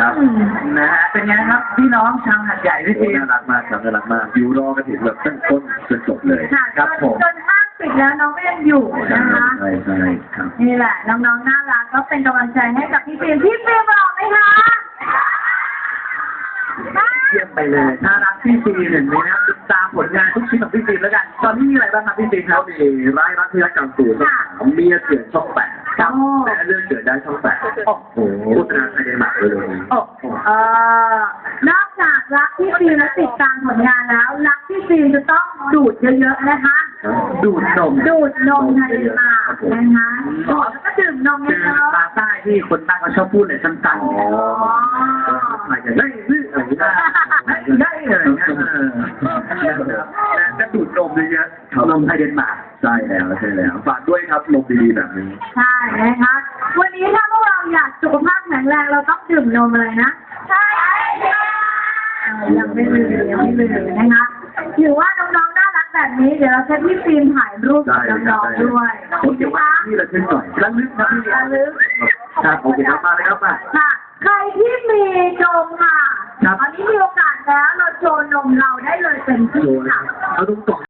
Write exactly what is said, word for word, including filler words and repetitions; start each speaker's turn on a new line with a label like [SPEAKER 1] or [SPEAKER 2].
[SPEAKER 1] ครับนะฮะเป็นไงครับพี่น้องชาวหัดใหญ่พี่ฟิล์ม
[SPEAKER 2] น่ารักมากครับน่ารักมากอยู่รอกันถึงแบบตั้งต้นจนจบเลย
[SPEAKER 3] ค่ะ
[SPEAKER 1] ครับผม
[SPEAKER 3] จนห้างปิดแล้วน้องก็ยังอยู่
[SPEAKER 2] ใช่
[SPEAKER 3] นะคะ
[SPEAKER 2] ใช่ใช่ครับ
[SPEAKER 3] นี่แหละน้องๆน่ารักก็เป็นกำลังใจให้กับพี่ฟิล์มพี่ฟิล์มหล่อไหมคะ
[SPEAKER 1] เยี่ยมไปเลยน่ารักพี่ฟิล์มเห็นไหมนะครับติดตามผลงานทุกชิ้นของพี่ฟิล์มแล้วกันตอนนี้มีอะไรบ้างครับพี่ฟิล์มค
[SPEAKER 2] เขา
[SPEAKER 1] รับ
[SPEAKER 2] มีร้ายรักที่รักกลางตูนช่องสามเมียเถื่อนช่องแปด
[SPEAKER 3] โอ้
[SPEAKER 2] แต่เรื่องเกิดได้ช่องแปด
[SPEAKER 1] โอ้โห
[SPEAKER 2] โฆษณาไทยเดนมาร์กเลยวันนี้
[SPEAKER 1] โอ้โห
[SPEAKER 3] เอ่อนอกจากรักพี่ฟิล์มและติดตามผลงานแล้ว รักพี่ฟิล์มจะต้องดูดเยอะๆนะคะ
[SPEAKER 1] ดูดนม
[SPEAKER 3] ดูดนมในปากนะคะดูดแล้วก็ดื่มนม
[SPEAKER 1] คือ
[SPEAKER 3] เยอะ
[SPEAKER 1] ภาษาใต้ที่คนใต้เขาชอบพูดเลยสั้นๆ
[SPEAKER 2] อ๋ออะไรจะได้หรืออะไรได้
[SPEAKER 1] ได้เลยก็ดูดนมเยอะๆนมไทยเดนมาร์ก
[SPEAKER 2] ใช่แล้วใช่แล้วฝากด้วยครับนมดีๆแบบนี้
[SPEAKER 3] ๆใช่นะคะวันนี้ถ้าพวกเราอยากสุขภาพแข็งแรงเราต้องดื่มนมอะไรนะใช่ยังไม่ลืมยังไม่ลืมนะคะถือว่าน้องๆน่ารักแบบนี้เดี๋ยวเราจะพี่ฟิล์มถ่ายรูปกับน้องๆด้วย
[SPEAKER 2] ผมเดี๋ยวว่าที่ระลึกหน่อย
[SPEAKER 1] ระลึกนะพี่
[SPEAKER 3] ระลึก
[SPEAKER 2] ครับโอเคครับมาเลยครับมา
[SPEAKER 3] ค่ะ ใครที่มีนมค่ะ
[SPEAKER 1] ครับ
[SPEAKER 3] ตอนนี้มีโอกาสแล้วเราโชว์นมเราได้เลยเป็นที่ค่ะ
[SPEAKER 2] เอาตรง